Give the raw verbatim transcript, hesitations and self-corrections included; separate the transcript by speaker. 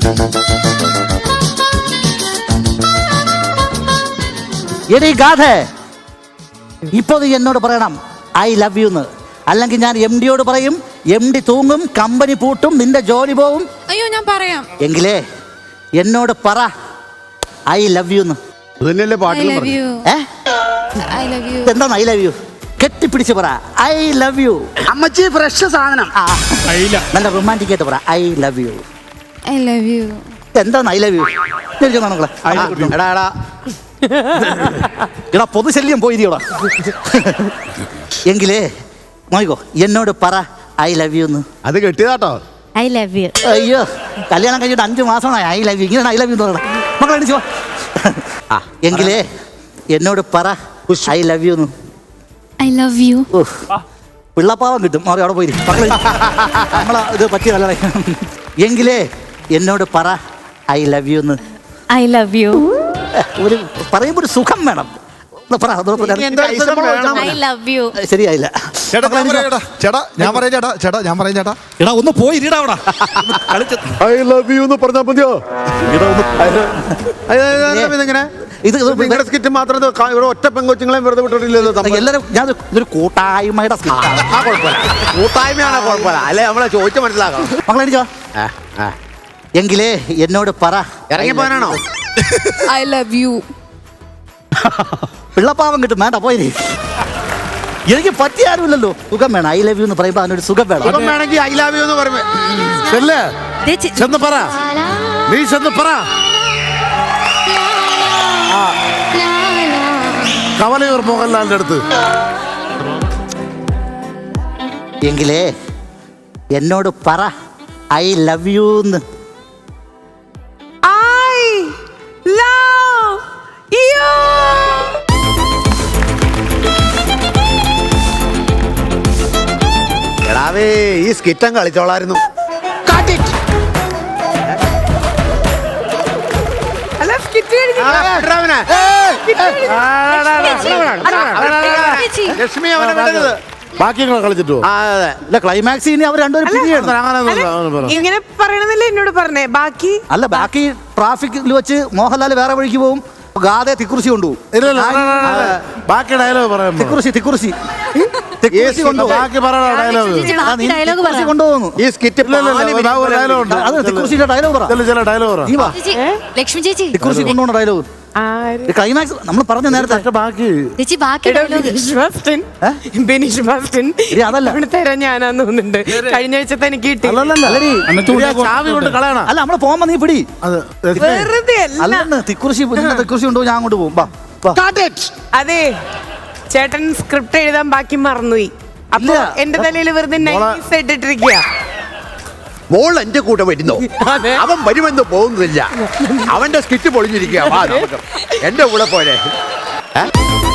Speaker 1: എടീ ഗാഥ, ഇപ്പൊ നീ എന്നോട് പറയണം ഐ ലവ് യു എന്ന്. അല്ലെങ്കിൽ ഞാൻ എം ഡിയോട് പറയും, എം ഡി തൂങ്ങും, കമ്പനി പൂട്ടും, നിന്റെ ജോലി പോവും.
Speaker 2: അയ്യോ ഞാൻ പറയാം.
Speaker 1: എങ്കിലേ എന്നോട് പറ ഐ ലവ് യു എന്ന്. എന്താണ് ഐ ലവ് യു? കെട്ടിപ്പിടിച്ച് പറ ഐ ലവ് യു.
Speaker 3: അമ്മച്ചി ഫ്രഷ് സാധനം.
Speaker 1: നല്ല റൊമാൻറ്റിക് ആയിട്ട് പറ I love you.
Speaker 2: I love you.
Speaker 1: എന്താണ് ഐ ലവ് യു? എടാ എടാ പൊതുശല്യം പോയിരിക്കടാ. എങ്കിലേ നോയിക്കോ, എന്നോട് പറ ഐ ലവ് യു എന്ന്.
Speaker 4: അത് കെട്ടിയതാട്ടോ.
Speaker 2: I love U.
Speaker 1: അയ്യോ, കല്യാണം കഴിഞ്ഞിട്ട് അഞ്ചു മാസമായി ഐ ലവ് യു. ഇങ്ങനെയാണ് ഐ ലവ് യു എന്ന് പറയണം. മക്കളെ എണീച്ചോ. എങ്കിലേ എന്നോട് പറ ഐ ലവ് യു എന്ന്.
Speaker 2: I love you.
Speaker 1: പിള്ളപ്പാവം കിട്ടും. മാറി അവിടെ പോയി നമ്മളെ ഇത് പറ്റിയ നല്ല. എങ്കിലേ എന്നോട് പറ ഐ ലവ് യു എന്ന്.
Speaker 2: I love you.
Speaker 1: ഒരു പറയുമ്പോൾ ഒരു സുഖം വേണം.
Speaker 2: I love you.
Speaker 1: ശരിയായില്ല.
Speaker 4: ചേട്ടാ ഞാൻ പറയാം ചേട്ടാ ചേട്ടാ ഞാൻ പറയാം ചേട്ടാ
Speaker 5: എടാ ഒന്ന് പോയി ഇരിടാ അവിടെ.
Speaker 4: ഐ ലവ് യു എന്ന് പറഞ്ഞാൽ മതിയോ? ഇതെങ്ങനെ
Speaker 1: ഇത്
Speaker 4: നിങ്ങളുടെ സ്കിറ്റ് മാത്രം ഇവിടെ ഒറ്റ പെങ്കൊച്ചുങ്ങളെയും വെറുതെ വിട്ടിട്ടില്ലല്ലോ.
Speaker 1: എല്ലാവരും ഞാൻ ഇതൊരു കൂട്ടായ്മയുടെ
Speaker 4: കൂട്ടായ്മയാണ് കുഴപ്പമില്ല. അല്ലെ നമ്മളെ ചോദിച്ചു മനസ്സിലാക്കണം.
Speaker 1: മക്കളെ എണീച്ചോ. എങ്കിലേ എന്നോട് പറ
Speaker 4: ഇറങ്ങി പോകാനാണോ?
Speaker 2: I love you.
Speaker 1: പിള്ളപ്പാവം കിട്ടും. വേണ്ട പോയി. എനിക്ക് പറ്റിയ ആരുമില്ലല്ലോ. സുഖം വേണം. ഐ ലവ് യു എന്ന് പറയുമ്പോ അതിനൊരു സുഖം വേണം.
Speaker 4: സുഖം വേണമെങ്കിൽ ഐ ലവ് യു എന്ന് പറയുമ്പോ ചെന്ന് പറ. നീ ചെന്ന് പറ. കവലയൂർ മോഹൻലാലിന്റെ അടുത്ത്.
Speaker 1: എങ്കിലേ എന്നോട് പറ ഐ ലവ് യു എന്ന്.
Speaker 4: എടാവേ ഈ സ്കിറ്റം കളിച്ചോളായിരുന്നു. ലക്ഷ്മി അവനെ വിടരുത്. ബാക്കി കളിച്ചിട്ടോ?
Speaker 1: ക്ലൈമാക്സ് ഇനി അവർ രണ്ടുപേരും
Speaker 6: ഇങ്ങനെ പറയണമെന്നല്ലേ എന്നോട് പറഞ്ഞേ. ബാക്കി
Speaker 1: അല്ല, ബാക്കി ട്രാഫിക്കിൽ വെച്ച് മോഹൻലാൽ വേറെ വഴിക്ക് പോകും, ഗാതെ തിക്കുറിശി കൊണ്ടുപോകും.
Speaker 4: ബാക്കി ഡയലോഗ് പറയാം.
Speaker 1: തിക്കുറിശി തിക്കുറിശി
Speaker 4: ബാക്കി പറയണ ഡയലോഗ്
Speaker 1: കൊണ്ടുപോകുന്നു.
Speaker 4: ഈ സ്കിറ്റ്
Speaker 1: അത് തിക്കുറിശിയുടെ ഡയലോഗ് പറ.
Speaker 4: ചില ഡയലോഗ്
Speaker 2: ലക്ഷ്മി ചേച്ചി
Speaker 1: തിക്കുറിശി കൊണ്ടുപോകുന്ന ഡയലോഗ് ക്ലൈമാക്സ് നമ്മൾ പറഞ്ഞ നേരത്തെ.
Speaker 4: ബാക്കി
Speaker 2: ചേച്ചി ബാക്കി
Speaker 1: അതല്ല
Speaker 6: തരാൻ ഞാനാന്ന് തോന്നുന്നുണ്ട്. കഴിഞ്ഞ ആഴ്ചത്തെ എനിക്ക് കിട്ടി.
Speaker 4: ചാവി കൊണ്ട് കളയണം.
Speaker 1: അല്ല, നമ്മള് പോകുമ്പോ നീ പിടി.
Speaker 6: വെറുതെ
Speaker 1: അല്ല, തിക്കുറിശി തിക്കുറിശി കൊണ്ടുപോയി ഞാൻ അങ്ങോട്ട് പോകും.
Speaker 6: അതെ, ചേട്ടൻ സ്ക്രിപ്റ്റ് എഴുതാൻ ബാക്കി മറന്നുപോയി. അപ്പൊ എന്റെ തലയിൽ വെറുതെ നൈസ് ഇട്ടിട്ടിരിക്കുക.
Speaker 4: മോൾ എന്റെ കൂടെ വരുന്നോ? അവൻ വരുമെന്ന് പോകുന്നില്ല. അവന്റെ സ്കിറ്റ് പൊളിഞ്ഞിരിക്കുക. എന്റെ കൂടെ പോലെ